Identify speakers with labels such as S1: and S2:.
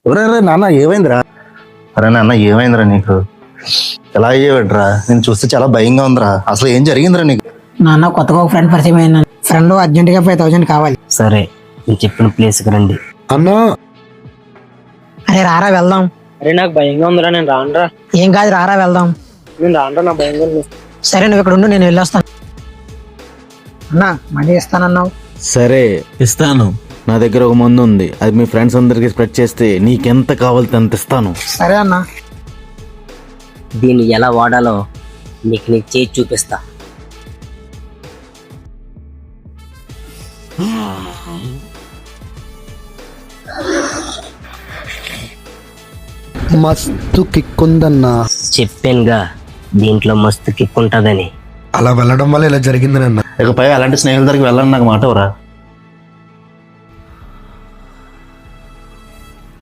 S1: ఒరే నాన్న ఏమైందిరా? అరే నాన్న ఏమైందిరా నీకు? ఎలా అయ్యేవాడ్రా? నేను చూస్తే చాలా భయంగా ఉందిరా. అసలు ఏం జరిగిందిరా నీకు?
S2: నాన్న కొత్తగా ఒక ఫ్రెండ్ పరిచయం అయింది. ఫ్రెండ్ అర్జెంటుగా 5,000 కావాలి.
S3: సరే, నేను చెప్పిన ప్లేస్కి రండి.
S4: అన్నా
S2: అరే రారా వెళ్దాం.
S5: అరే నాకు భయంగా ఉందిరా, నేను రానురా.
S2: ఏం కాదు రారా వెళ్దాం.
S5: నేను రానురా, నా భయంగా ఉంది.
S2: సరే నువ్వు ఇక్కడ ఉండు, నేను వెళ్ళొస్తాను. అన్నా మనీ ఇస్తానన్నావు.
S6: సరే ఇస్తాను. నా దగ్గర ఒక మందు ఉంది, అది మీ ఫ్రెండ్స్ అందరికి స్ప్రెడ్ చేస్తే నీకెంత కావాలితే అంత ఇస్తాను.
S2: సరే అన్నా.
S3: దీన్ని ఎలా వాడాలో నీకు చేసి చూపిస్తా.
S4: మస్తు కిక్ ఉందన్నా.
S3: చెప్పానుగా దీంట్లో మస్తు కిక్ ఉంటుందని.
S4: అలా వెళ్ళడం వల్ల ఇలా జరిగింది నాన్న.
S1: ఇకపై అలాంటి స్నేహితుల దగ్గరికి వెళ్ళాలని నాకు మాట ఎవరా?